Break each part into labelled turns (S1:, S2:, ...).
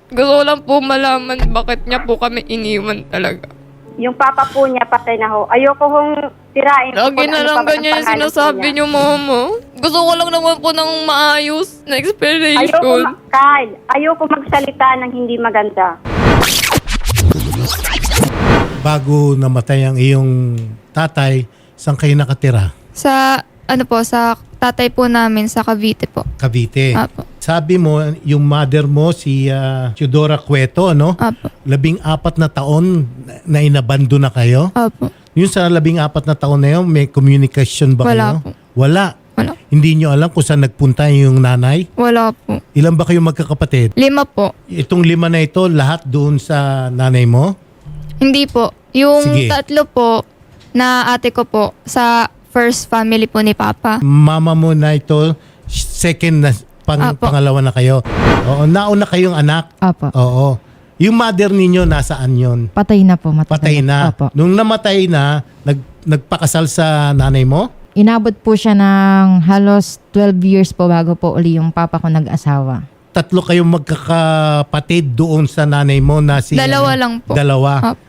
S1: Gusto ko lang po malaman bakit niya po kami iniwan talaga.
S2: Yung papa po niya patay na ho. Ayoko hong tirain.
S1: Lagi na lang ganyan yung sinasabi niyo, mama. Gusto ko lang naman po ng maayos na explanation.
S2: Kyle, ayoko magsalita ng hindi maganda.
S3: Bago namatay ang iyong tatay, saan kayo nakatira?
S1: Sa, sa tatay po namin sa Cavite po.
S3: Cavite.
S1: Apo.
S3: Sabi mo, yung mother mo, si Teodora Cueto, no?
S1: Apo.
S3: 14 na taon na inabando na kayo?
S1: Apo.
S3: Yung sa 14 na taon na yun, may communication ba
S1: Wala
S3: kayo?
S1: po.
S3: Wala.
S1: Wala.
S3: Hindi nyo alam kung saan nagpunta yung nanay?
S1: Wala po.
S3: Ilan ba kayo magkakapatid?
S1: 5 po.
S3: Itong 5 na ito, lahat doon sa nanay mo?
S1: Hindi po. Yung
S3: Sige.
S1: 3 po na ate ko po sa first family po ni Papa.
S3: Mama mo na ito, second na,
S1: Apo.
S3: pangalawa na kayo. Oo, nauna kayong anak?
S4: Opo.
S3: Oo. Yung mother ninyo, nasaan yon?
S4: Patay na po.
S3: Patay na.
S4: Opo.
S3: Nung namatay na, nagpakasal sa nanay mo?
S4: Inabot po siya ng halos 12 years po bago po uli yung papa ko nag-asawa.
S3: 3 kayong magkakapatid doon sa nanay mo na si...
S1: Dalawa lang po.
S3: Dalawa.
S1: Opo.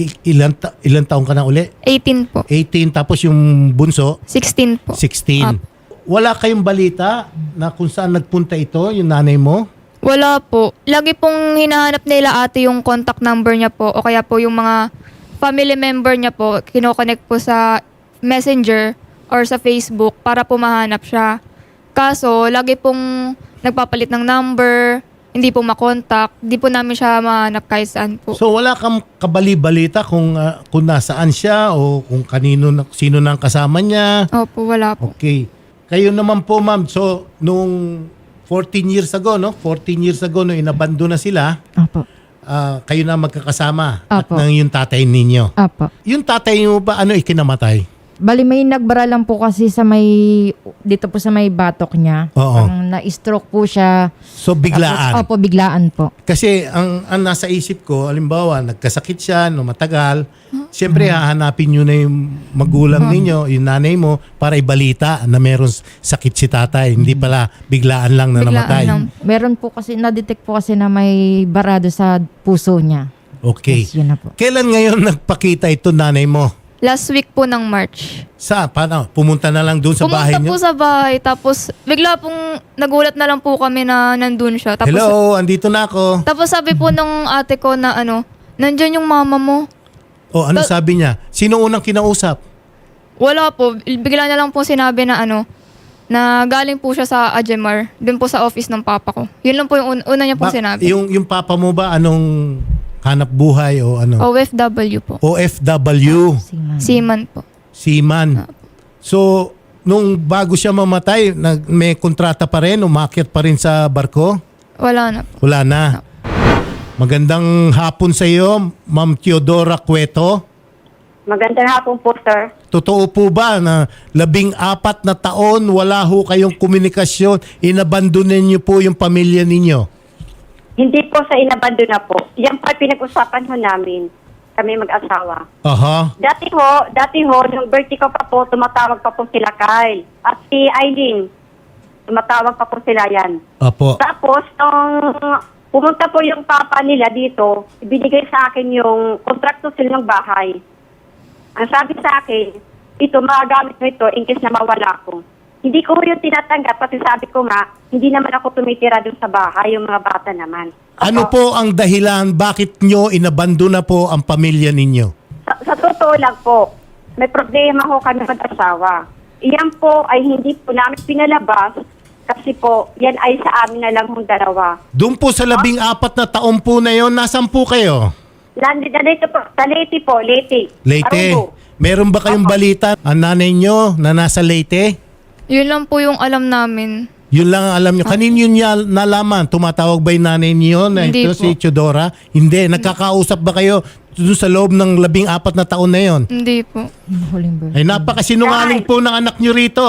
S3: Ilan taong ka na uli?
S1: 18 po.
S3: 18, tapos yung bunso,
S1: 16 po.
S3: 16.
S1: Opo.
S3: Wala kayong balita na kung saan nagpunta ito, yung nanay mo?
S1: Wala po. Lagi pong hinahanap nila ate yung contact number niya po o kaya po yung mga family member niya po, kinoconnect po sa Messenger or sa Facebook para po mahanap siya. Kaso, lagi pong nagpapalit ng number, hindi po makontak, di po namin siya mahanap kahit saan po.
S3: So wala kang kabali-balita kung nasaan siya o kung sino nang kasama niya?
S1: Opo, wala po.
S3: Okay. Kayo naman po, ma'am. So nung 14 years ago, no? 14 years ago no inabando na sila,
S4: Opo.
S3: kayo na magkakasama at
S4: Apo.
S3: ng yung tatay ninyo.
S4: Opo.
S3: Yung tatay mo ba ikinamatay?
S4: Bali may nagbara lang po kasi sa dito po sa may batok niya.
S3: Oo.
S4: Na-stroke po siya.
S3: So biglaan.
S4: Tapos, opo, biglaan po.
S3: Kasi ang nasa isip ko, halimbawa, nagkasakit siya no matagal, siyempre hahanapin nyo na yung magulang ninyo, yung nanay mo, para ibalita na meron sakit si tatay. Hindi pala biglaan lang na
S1: Biglaan
S3: namatay.
S1: lang.
S4: Meron po kasi, na-detect po kasi na may barado sa puso niya.
S3: Okay.
S4: Yes, yun na po.
S3: Kailan ngayon nagpakita ito nanay mo?
S1: Last week po ng March.
S3: Paano? Pumunta na lang doon sa bahay
S1: Pumunta
S3: niyo?
S1: po sa bahay, tapos bigla pong nagulat na lang po kami na nandun siya. Tapos,
S3: Hello, andito na ako.
S1: Tapos sabi po ng ate ko na nandyan yung mama mo.
S3: O, ano sabi niya? Sino unang kinausap?
S1: Wala po. Bigla na lang po sinabi na na galing po siya sa Ajemar, dun po sa office ng papa ko. Yun lang po yung una niya po sinabi.
S3: Yung papa mo ba, anong hanap buhay o ano?
S1: OFW po.
S3: OFW.
S1: Seaman po.
S3: Seaman. So, nung bago siya mamatay, may kontrata pa rin, umakyat pa rin sa barko?
S1: Wala na po.
S3: Wala na. Magandang hapon sa iyo, Ma'am Teodora Cueto.
S2: Magandang hapon po, sir.
S3: Totoo po ba na 14 na taon wala ho kayong komunikasyon, inabandonan niyo po yung pamilya ninyo?
S2: Hindi po sa inabando na po. Yan pa pinag-usapan ho namin. Kami mag-asawa.
S3: Aha.
S2: Dati ho, nung birthday ko pa po, tumatawag pa po sila Kyle. At si Eileen, tumatawag pa po sila yan.
S3: Apo.
S2: Tapos, nung pumunta po yung papa nila dito, ibinigay sa akin yung kontrakto sila ng bahay. Ang sabi sa akin, ito, magagamit mo ito in case na mawala ko. Hindi ko yung tinatanggap kasi sabi ko nga, hindi naman ako tumitira dun sa bahay, yung mga bata naman.
S3: Ano po ang dahilan bakit nyo inabandona po ang pamilya ninyo?
S2: Sa totoo lang po, may problema ho kami mag-asawa. Iyan po ay hindi po namin pinalabas kasi po, yan ay sa amin na lang hong dalawa.
S3: Doon po sa 14 na taon po na yon, nasan po kayo?
S2: Dito po, sa Leyte po, Leyte.
S3: Leyte.
S2: Arungo.
S3: Meron ba kayong balita ang nanay nyo na nasa Leyte?
S1: Yun lang po yung alam namin.
S3: Yun lang ang alam nyo. Kanino niya nalaman? Tumatawag ba yung nanay niyo na
S1: Hindi
S3: ito
S1: po.
S3: si Teodora? Hindi. Nagkakausap ba kayo doon sa loob ng 14 na taon na yon?
S1: Hindi po.
S4: Yung huling birthday.
S3: Ay napakasinungaling po ng anak nyo rito.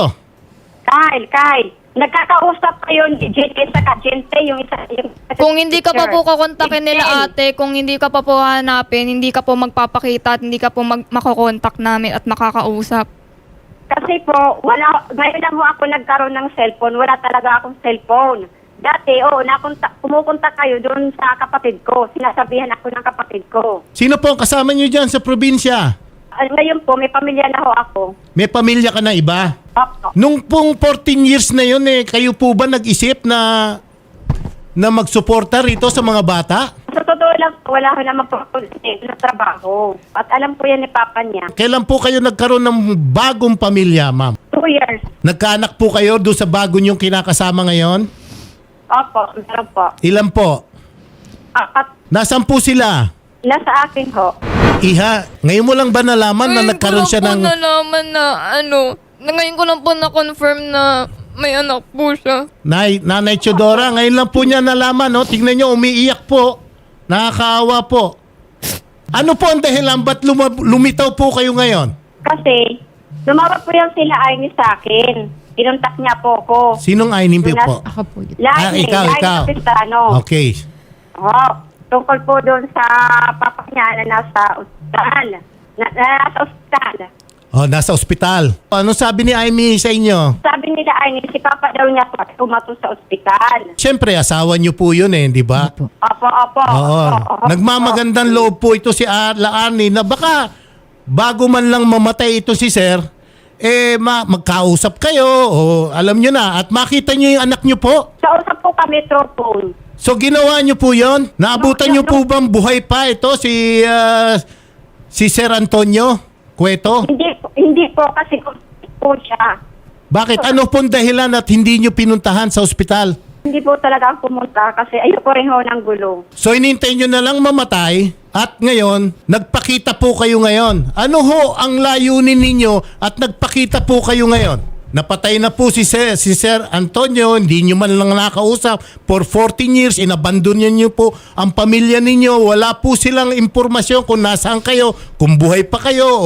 S2: Kyle, nagkakausap kayo ni Jente sa Jente, yung isa.
S1: Kung hindi ka pa po kakontakin nila
S2: Excel.
S1: ate, kung hindi ka pa po hanapin, hindi ka po magpapakita at hindi ka po makokontak namin at makakausap.
S2: Kasi po, ngayon lang ho ako nagkaroon ng cellphone. Wala talaga akong cellphone. Dati, pumupunta kayo doon sa kapatid ko. Sinasabihan ako ng kapatid ko.
S3: Sino po ang kasama nyo dyan sa probinsya?
S2: Ngayon po, may pamilya na ho ako.
S3: May pamilya ka na iba?
S2: Opo.
S3: Nung pong 14 years na yun kayo po ba nag-isip na magsuporta rito sa mga bata?
S2: Sa totoo lang, wala ko naman po sa trabaho. At alam po yan ni Papa niya.
S3: Kailan po kayo nagkaroon ng bagong pamilya, ma'am?
S2: 2 years. Nagkaanak
S3: Po kayo doon sa bago nyong kinakasama ngayon?
S2: Opo, meron po.
S3: Ilan po?
S2: At
S3: Nasaan po sila?
S2: nasa akin ho.
S3: Iha, ngayon mo lang ba nalaman na nagkaroon siya ng...
S1: Ngayon ko lang po nalaman na ngayon ko lang po na-confirm na may anak po siya.
S3: Nanay Chodora, ngayon lang po niya nalaman, no? Tingnan niyo, umiiyak po. Nakakaawa po. Ano po ang dahilan? Ba't lumitaw po kayo ngayon?
S2: Kasi, lumawag po yung sila Amy sa akin. Kinuntak niya po ko.
S3: Sinong Ainim po?
S4: Ako po yun.
S3: Ikaw.
S2: Kapistano.
S3: Okay.
S2: Tungkol po doon sa papa niya na nasa ospital. Nasa ospital.
S3: Nasa ospital. Ano sabi ni Amy sa inyo?
S2: Amy, si papa daw niya po tumato sa ospital.
S3: Siyempre, asawa niyo po yun di ba?
S4: Opo.
S2: Opo.
S3: Oo. Nagmamagandang loob po ito si Laani na baka bago man lang mamatay ito si Sir, magkausap kayo o alam nyo na at makita nyo yung anak nyo po.
S2: Kausap po kami through phone.
S3: So ginawa nyo po yon? Naabutan nyo po bang buhay pa ito si Sir Antonio Cueto?
S2: Hindi po kasi po siya.
S3: Bakit? Ano pong dahilan at hindi nyo pinuntahan sa ospital?
S2: Hindi po talaga ako pumunta kasi ayoko rin ho ng gulo.
S3: So inintay nyo na lang mamatay at ngayon, nagpakita po kayo ngayon. Ano ho ang layunin ninyo at nagpakita po kayo ngayon? Napatay na po si Sir Antonio, hindi nyo man lang nakausap. For 14 years, inabandon nyo po ang pamilya ninyo. Wala po silang impormasyon kung nasaan kayo, kung buhay pa kayo o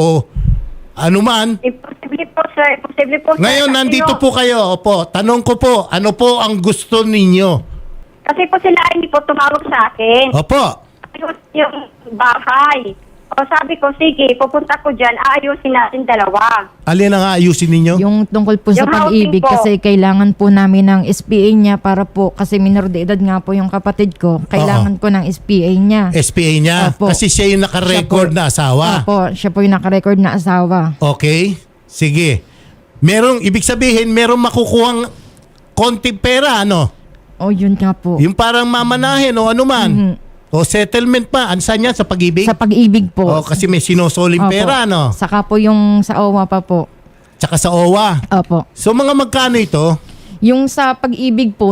S3: ano man.
S2: Imposible po, sir. Imposible po, sir.
S3: Ngayon,
S2: Kasi
S3: nandito po kayo. Opo, tanong ko po, ano po ang gusto ninyo?
S2: Kasi po sila hindi po tumawag sa akin.
S3: Opo.
S2: Yung bahay. O sabi ko, sige, pupunta ko dyan, aayusin natin dalawa.
S3: Alin ang aayusin ninyo?
S4: Yung tungkol po sa
S2: Yung
S4: pag-ibig
S2: housing po.
S4: kasi kailangan po namin ng SPA niya para po, kasi minor de edad nga po yung kapatid ko, kailangan ko ng SPA niya.
S3: SPA niya?
S4: Opo.
S3: Kasi siya yung naka-record na asawa.
S4: Opo, siya po yung naka-record na asawa.
S3: Okay? Sige. Ibig sabihin, merong makukuhang konting pera, ano?
S4: O yun nga po.
S3: Yung parang mamanahin o ano man. O settlement pa. Ansan yan? Sa pag-ibig?
S4: Sa pag-ibig po.
S3: O kasi may sinusoling
S4: Opo.
S3: pera, ano?
S4: Saka po yung sa OWA pa po.
S3: Tsaka sa OWA.
S4: Opo.
S3: So mga magkano ito?
S4: Yung sa pag-ibig po,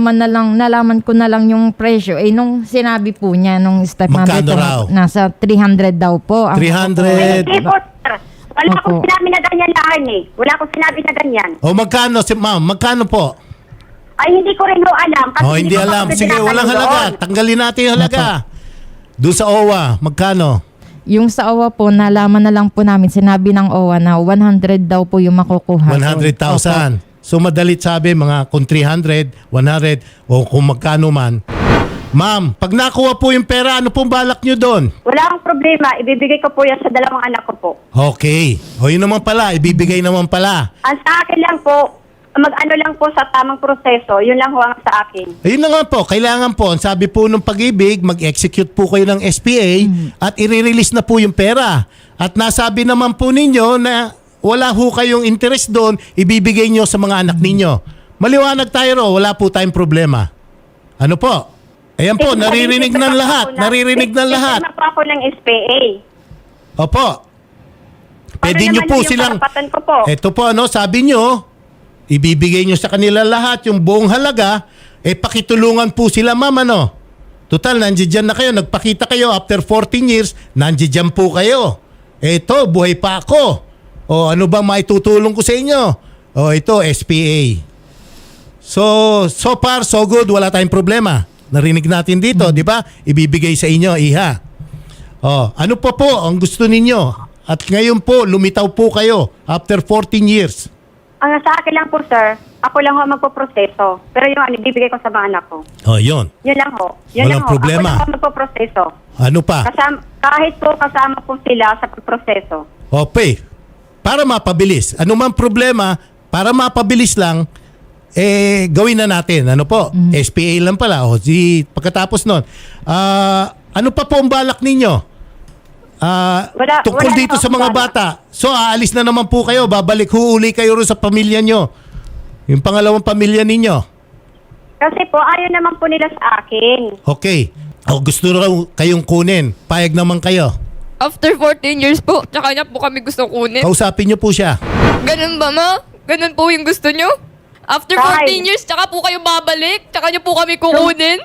S4: nalaman ko na lang yung presyo. Nung sinabi po niya, nung stepmother
S3: Magkano
S4: ko,
S3: raw?
S4: nasa 300 daw po.
S3: 300.
S2: Hindi po, sir. Wala
S4: Opo.
S2: akong sinabi na ganyan lahat Wala akong sinabi na ganyan.
S3: O magkano, ma'am? Magkano po?
S2: Ay, hindi ko rin ho alam. Kasi
S3: Hindi
S2: ko
S3: alam.
S2: kasi
S3: Sige,
S2: tinatanong
S3: walang halaga.
S2: doon.
S3: Tanggalin natin yung halaga. Doon sa OWA, magkano?
S4: Yung sa OWA po, nalaman na lang po namin, sinabi ng OWA na 100 daw po yung makukuha.
S3: 100,000. So madalit sabi, mga kung 300, 100, o kung magkano man. Ma'am, pag nakuha po yung pera, ano pong balak nyo doon?
S2: Wala akong problema. Ibibigay ko po yan sa dalawang anak ko po.
S3: Okay. O yun naman pala, ibibigay naman pala.
S2: Ang sa akin lang po, mag-ano lang po sa tamang proseso. Yun lang ho ang sa akin.
S3: Ayun na nga po, kailangan po, ang sabi po ng pag-ibig, mag-execute po kayo ng SPA at i-release na po yung pera. At nasabi naman po ninyo na wala ho kayong interest doon, ibibigay nyo sa mga anak ninyo. Maliwanag tayo ro, wala po tayong problema. Ano po? Ayan po, naririnig ng lahat. Naririnig ng lahat.
S2: Kasi po ako ng SPA.
S3: Opo. Pwede nyo
S2: naman
S3: po
S2: yung
S3: silang...
S2: karapatan ko po?
S3: Ito po, sabi nyo, ibibigay nyo sa kanila lahat yung buong halaga, pakitulungan po sila, ma'am, ano? Total, nandiyan na kayo, nagpakita kayo after 14 years, nandiyan po kayo. Ito, buhay pa ako. O ano ba maitutulong ko sa inyo? O ito, SPA. So far, so good, wala tayong problema. Narinig natin dito, di ba? Ibibigay sa inyo, iha. O, ano pa po ang gusto ninyo? At ngayon po, lumitaw po kayo after 14 years.
S2: Ang sa akin lang po, sir, ako lang ho magpoproseso. Pero yung ibibigay ko sa mga anak ko.
S3: O, yun.
S2: Yun lang ho. Yun
S3: Walang
S2: lang ho.
S3: problema.
S2: Ako lang ho magpoproseso.
S3: Ano pa?
S2: Kahit po kasama po sila sa proseso.
S3: Okay. Para mapabilis. Ano man problema, para mapabilis lang, gawin na natin. Ano po? SPA lang pala. O, pagkatapos nun, ano pa po ang balak ninyo? Tungkol
S2: wala
S3: dito
S2: na
S3: sa mga
S2: akong
S3: bata. So, aalis na naman po kayo. Babalik, huuli kayo rin sa pamilya nyo. Yung pangalawang pamilya ninyo.
S2: Kasi po, ayaw naman po nila sa akin.
S3: Okay. O, gusto na kayong kunin. Payag naman kayo.
S1: After 14 years po, tsaka niya po kami gusto kunin.
S3: Kausapin nyo po siya.
S1: Ganun ba, ma? Ganun po yung gusto nyo? After 14 years, tsaka po kayo babalik? Tsaka nyo po kami kukunin?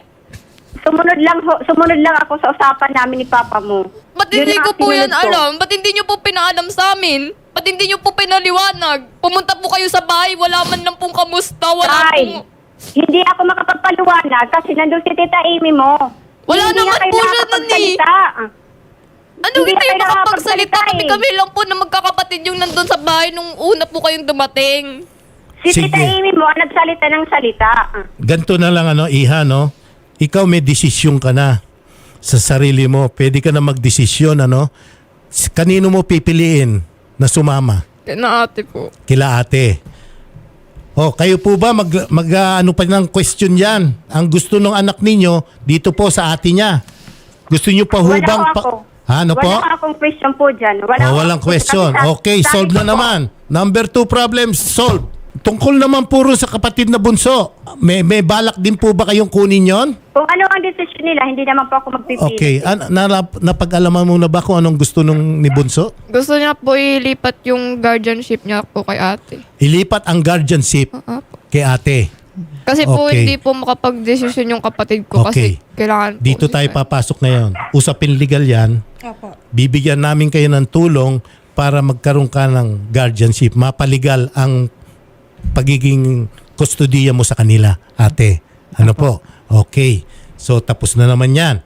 S2: Sumunod lang ako sa usapan namin ni Papa mo.
S1: Ba't
S2: Yun
S1: hindi
S2: ang
S1: ko po yan
S2: sinunod ko.
S1: alam? Ba't hindi nyo po pinaalam sa amin? Ba't hindi nyo po pinaliwanag? Pumunta po kayo sa bahay, wala man lang pong kamusta, wala
S2: Kyle,
S1: pong...
S2: hindi ako makapagpaliwanag kasi nandun si Tita Amy mo.
S1: Wala
S2: Hindi
S1: naman
S2: nga kayo
S1: po siya nun
S2: nakakapagsalita.
S1: Ano
S2: Hindi
S1: hindi
S2: na
S1: kayo
S2: kayo
S1: makapagsalita?
S2: nakakapagsalita
S1: Kami lang po na magkakapatid yung nandun sa bahay nung una po kayong dumating.
S2: Si
S3: Sige.
S2: Tita Amy mo ang nagsalita ng salita.
S3: Ganto na lang, Iha, no? Ikaw may desisyon ka na sa sarili mo. Pwede ka na magdesisyon, Kanino mo pipiliin na sumama?
S1: Kaya ate po.
S3: Kila ate. O, kayo po ba ano pa ng question yan? Ang gusto ng anak ninyo dito po sa ate niya. Gusto niyo pa
S2: Wala
S3: hubang
S2: ako.
S3: Ano po?
S2: Wala akong question po dyan.
S3: Walang question. Okay, solve na naman. Number 2 problem solved. Tungkol naman puro sa kapatid na bunso. May balak din po ba kayong kunin yon?
S2: Kung ano ang decision nila, hindi naman po ako magpipili.
S3: Okay. Napag-alaman mo na ba kung anong gusto ni bunso?
S1: Gusto niya po ilipat yung guardianship niya po kay ate.
S3: Ilipat ang guardianship kay ate.
S1: Kasi po
S3: Okay.
S1: hindi po makapag-desisyon yung kapatid ko
S3: Okay.
S1: kasi kailangan po
S3: Dito tayo
S1: nila.
S3: papasok ngayon. Usapin legal yan. Bibigyan namin kayo ng tulong para magkaroon ka ng guardianship. Mapaligal ang pagiging kustodiya mo sa kanila, ate. Ano po? Okay. So, tapos na naman yan.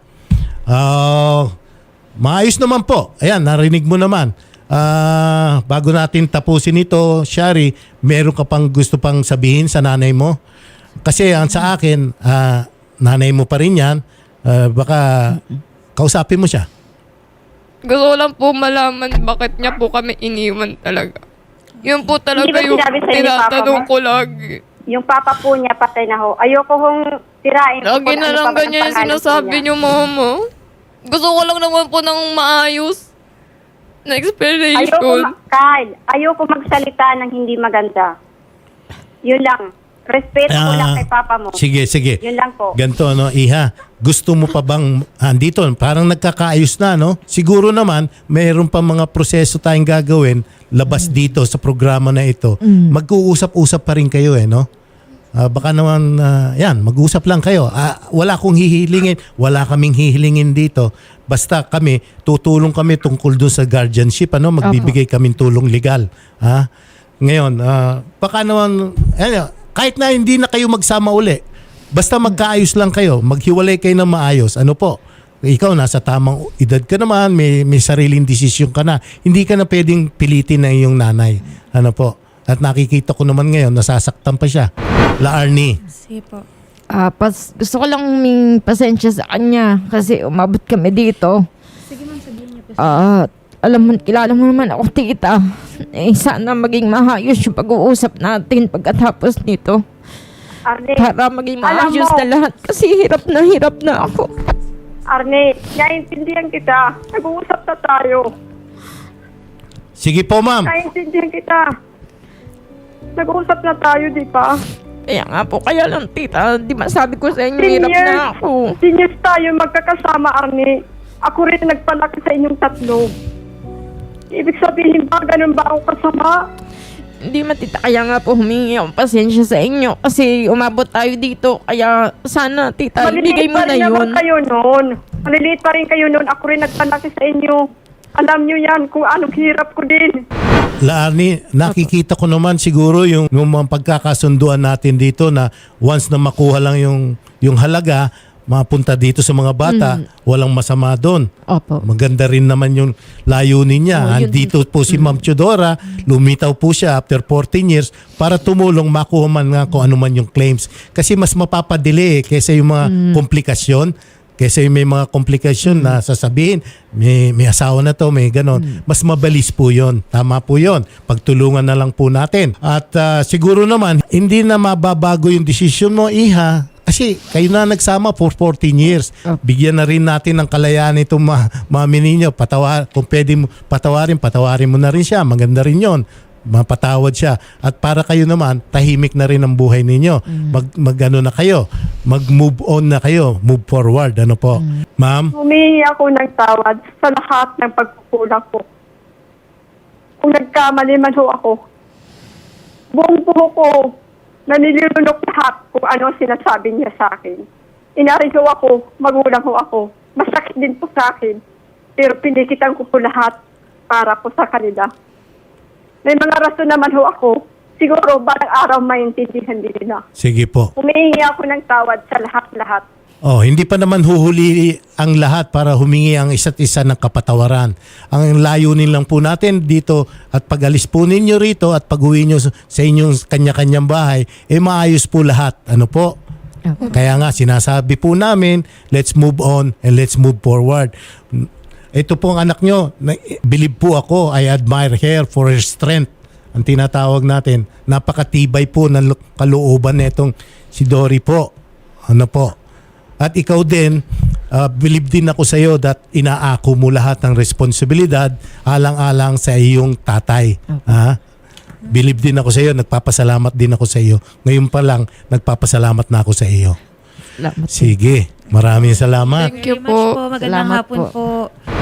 S3: Maayos naman po. Ayan, narinig mo naman. Bago natin tapusin ito, Shari, meron ka pang gusto pang sabihin sa nanay mo? Kasi ang sa akin, nanay mo pa rin yan. Baka kausapin mo siya.
S1: Gusto ko lang po malaman bakit niya po kami iniwan talaga. Yun po talaga
S2: Hindi ba
S1: yung
S2: sinabi sa'yo ni Papa
S1: tinatanong
S2: mo?
S1: ko lagi.
S2: Yung papa po niya, patay na ho. Ayoko hong tirain.
S1: Lagi
S2: kung
S1: na
S2: ano
S1: lang
S2: pa ba ang
S1: ganyan yung
S2: pangalan
S1: sinasabi
S2: po niya.
S1: niyo, mama. Gusto ko lang naman po ng maayos na explanation.
S2: Kyle, ayoko magsalita ng hindi maganda. Yun lang. Respeto ko lang kay papa mo.
S3: Sige.
S2: Yun lang po.
S3: Ganto, Iha. Gusto mo pa bang andito? Parang nagkakaayos na, no? Siguro naman, mayroon pa mga proseso tayong gagawin labas dito sa programa na ito. Mag-uusap-usap pa rin kayo, no? Baka naman, yan, mag-usap lang kayo. Wala akong hihilingin. Wala kaming hihilingin dito. Basta kami, tutulong kami tungkol doon sa guardianship, Magbibigay kaming tulong legal. Ngayon, baka naman, kahit na hindi na kayo magsama uli, basta magkaayos lang kayo, maghiwalay kayo na maayos. Ano po? Ikaw nasa tamang edad ka naman, may sariling desisyon ka na. Hindi ka na pwedeng pilitin na iyong nanay. Ano po? At nakikita ko naman ngayon, nasasaktan pa siya. La Arnie.
S5: Sige po.
S4: Gusto ko lang huming pasensya sa kanya kasi umabot kami dito.
S5: Sige ma'am, sabihin niyo po.
S4: Alam mo, kilala mo naman ako, tita. Sana maging mahayos yung pag-uusap natin pagkatapos nito.
S2: Arne,
S4: Para maging
S2: alam
S4: maayos
S2: mo,
S4: na lahat kasi hirap na ako.
S2: Arne, naiintindihan kita. Nag-uusap na tayo.
S3: Sige po, ma'am.
S2: Naiintindihan kita. Nag-uusap na tayo, di ba?
S4: Kaya nga po, kaya lang tita, di ba sabi ko sa inyo, hirap na ako.
S2: 10 years tayo magkakasama, Arne. Ako rin nagpalaki sa inyong tatlo. Ibig sabihin ba, ganun ba ako kasama?
S4: Hindi matita, kaya nga po humingi akong pasensya sa inyo kasi umabot tayo dito. Kaya sana tita, ibigay mo
S2: pa
S4: na
S2: rin naman
S4: yun.
S2: kayo noon. Maliliit pa rin kayo noon. Ako rin nagpalaki sa inyo. Alam nyo yan kung anong hirap ko din.
S3: La Arnie, nakikita ko naman siguro yung mga pagkakasunduan natin dito na once na makuha lang yung halaga, mapunta dito sa mga bata, walang masama doon.
S4: Opo.
S3: Maganda rin naman yung layunin niya.
S4: Oh, yun.
S3: Andito po si Ma'am Teodora, lumitaw po siya after 14 years para tumulong makuha man nga kung ano man yung claims. Kasi mas mapapadili kaysa yung mga komplikasyon. Kaysa yung may mga komplikasyon na sasabihin, may asawa na to, may ganon. Mas mabalis po yon. Tama po yon. Pagtulungan na lang po natin. At siguro naman, hindi na mababago yung desisyon mo, Iha. Kasi kayo na nagsama for 14 years. Bigyan na rin natin ng kalayaan itong mami ninyo. Kung pwede mo patawarin mo na rin siya. Maganda rin yon. Mapatawad siya. At para kayo naman, tahimik na rin ang buhay ninyo. Mag-ano na kayo. Mag-move on na kayo. Move forward. Ano po? Ma'am?
S2: Humingi ako ng tawad sa lahat ng pagkukulang ko. Kung nagkamali man ho ako, buong buho ko, nanilunok lahat kung ano sinasabi niya sa akin. Inarin ho ako, magulang ho ako. Masakit din po sa akin. Pero pinikitan ko po lahat para po sa kanila. May mga rason naman ho ako. Siguro balang araw maintindihan din nila.
S3: Sige po.
S2: Humingi ako ng tawad sa lahat-lahat.
S3: Oh, hindi pa naman huhuli ang lahat para humingi ang isa't isa ng kapatawaran. Ang layunin lang po natin dito at pag-alis po ninyo rito at pag-uwi nyo sa inyong kanya-kanyang bahay, maayos po lahat. Ano po? Kaya nga sinasabi po namin, let's move on and let's move forward. Ito po ang anak nyo, believe po ako, I admire her for her strength. Ang tinatawag natin, napakatibay po ng kalooban nitong si Dory po. Ano po? At ikaw din, believe din ako sa iyo that inaako mo lahat ng responsibilidad alang-alang sa iyong tatay. Ha? Believe din ako sa iyo, nagpapasalamat din ako sa iyo. Ngayon pa lang, nagpapasalamat na ako sa iyo.
S4: Salamat.
S3: Sige, maraming salamat.
S1: Thank you
S5: Very much
S1: po.
S5: Magandang
S4: Salamat
S5: hapon
S4: po.
S5: po.